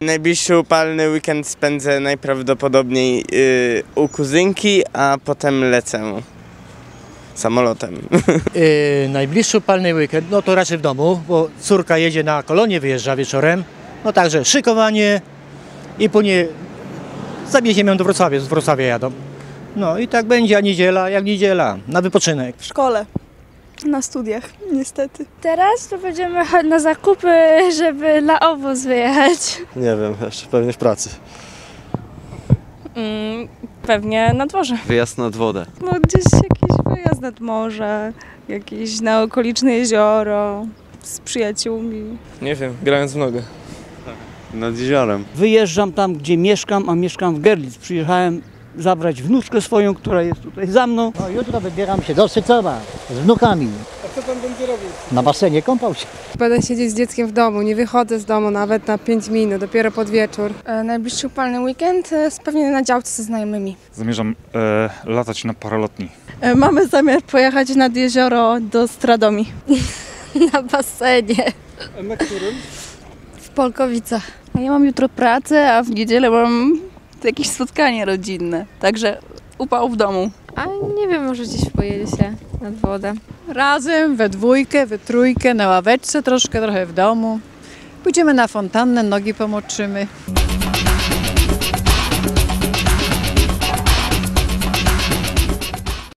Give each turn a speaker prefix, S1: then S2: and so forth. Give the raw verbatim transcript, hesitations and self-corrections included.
S1: Najbliższy upalny weekend spędzę najprawdopodobniej yy, u kuzynki, a potem lecę samolotem.
S2: Yy, najbliższy upalny weekend, no to raczej w domu, bo córka jedzie na kolonię, wyjeżdża wieczorem. No także szykowanie i później zawieziemy ją do Wrocławia, z Wrocławia jadą. No i tak będzie, a niedziela jak niedziela, na wypoczynek.
S3: W szkole, na studiach, niestety.
S4: Teraz to będziemy chodzić na zakupy, żeby na obóz wyjechać.
S5: Nie wiem, jeszcze pewnie w pracy.
S6: Mm, pewnie na dworze.
S7: Wyjazd nad wodę.
S6: No gdzieś jakiś wyjazd nad morze, jakieś na okoliczne jezioro z przyjaciółmi.
S8: Nie wiem, grając w nogę.
S7: Nad jeziorem.
S9: Wyjeżdżam tam, gdzie mieszkam, a mieszkam w Görlitz. Przyjechałem zabrać wnuczkę swoją, która jest tutaj za mną.
S10: No, jutro wybieram się do Sycowa z wnukami.
S8: A co pan będzie robił?
S10: Na basenie kąpał się.
S11: Będę siedzieć z dzieckiem w domu, nie wychodzę z domu nawet na pięć minut, dopiero pod wieczór.
S12: E, najbliższy upalny weekend e, pewnie na działce ze znajomymi.
S13: Zamierzam e, latać na paralotni.
S6: E, mamy zamiar pojechać nad jezioro do Stradomi.
S4: Na basenie.
S8: A na którym?
S4: W Polkowicach.
S6: A ja mam jutro pracę, a w niedzielę mam jakieś spotkanie rodzinne, także upał w domu.
S4: A nie wiem, może gdzieś pojedzie się nad wodę.
S11: Razem, we dwójkę, we trójkę, na ławeczce troszkę, trochę w domu. Pójdziemy na fontannę, nogi pomoczymy.